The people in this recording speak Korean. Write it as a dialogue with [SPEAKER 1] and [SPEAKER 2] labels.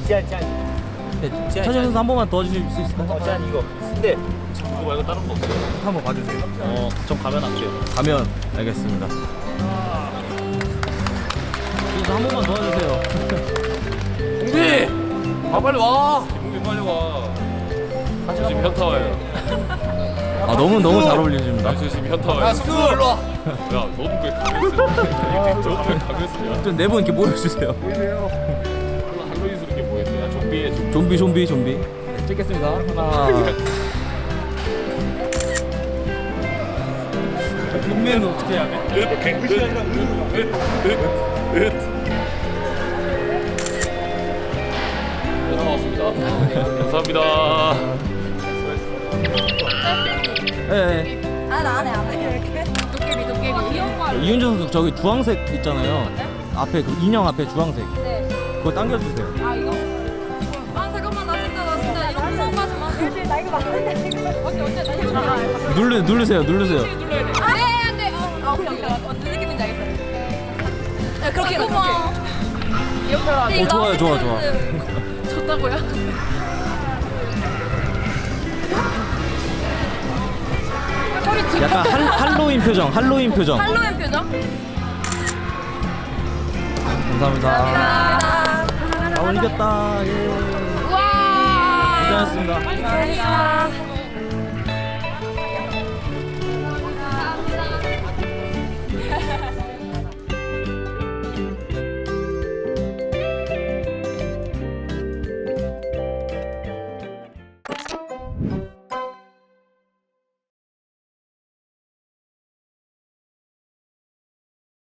[SPEAKER 1] 차지현 선수 한 번만 도와주실 수 있을까요?
[SPEAKER 2] 제한 이거. 근데 이거 말고 다른 거 없어요?
[SPEAKER 1] 한번 봐주세요.
[SPEAKER 2] 좀 가면 할게요.
[SPEAKER 1] 가면 알겠습니다. 선수 한 번만 도와주세요.
[SPEAKER 2] 동비! 아 빨리 와! 동비 빨리 와. 저 지금 현타 와요.
[SPEAKER 1] 아 너무 잘 어울리십니다.
[SPEAKER 2] 저 지금 현타 와요. 야 숙수 일로 와! 야 너는 왜 가면 쓰냐? 너는 왜 가면 쓰냐?
[SPEAKER 1] 좀 네 분 이렇게 모여주세요.
[SPEAKER 2] 할로윈 스럽게 보였네. 야 좀비에
[SPEAKER 1] 좀비. 네, 찍겠습니다. 하나. 인맨은 어떻게 해야 돼?
[SPEAKER 2] 고맙습니다. 감사합니다.
[SPEAKER 1] 네.
[SPEAKER 3] 안 해. 도깨비.
[SPEAKER 1] 이윤정 선수 저기 주황색 있잖아요. 앞에 그 인형 앞에 주황색.
[SPEAKER 3] 네.
[SPEAKER 1] 그거 당겨주세요.
[SPEAKER 3] 아 이거? 아 잠깐만 나 진짜 이거 무서운 거 하지 마. 나 이거 맞는데. 언제 나 이거 나.
[SPEAKER 1] 누르세요.
[SPEAKER 3] 눌러야 돼. 안돼. 오케이. 어떤 느낌인지 알겠어. 야 그렇게.
[SPEAKER 1] 좋아요.
[SPEAKER 3] 좋다고요?
[SPEAKER 1] 약간 할로윈 표정.
[SPEAKER 3] 할로윈 표정?
[SPEAKER 1] 감사합니다.
[SPEAKER 3] 감사합니다.
[SPEAKER 1] 이겼다. 예.
[SPEAKER 3] 우와.
[SPEAKER 1] 고생하셨습니다.
[SPEAKER 3] 감사합니다.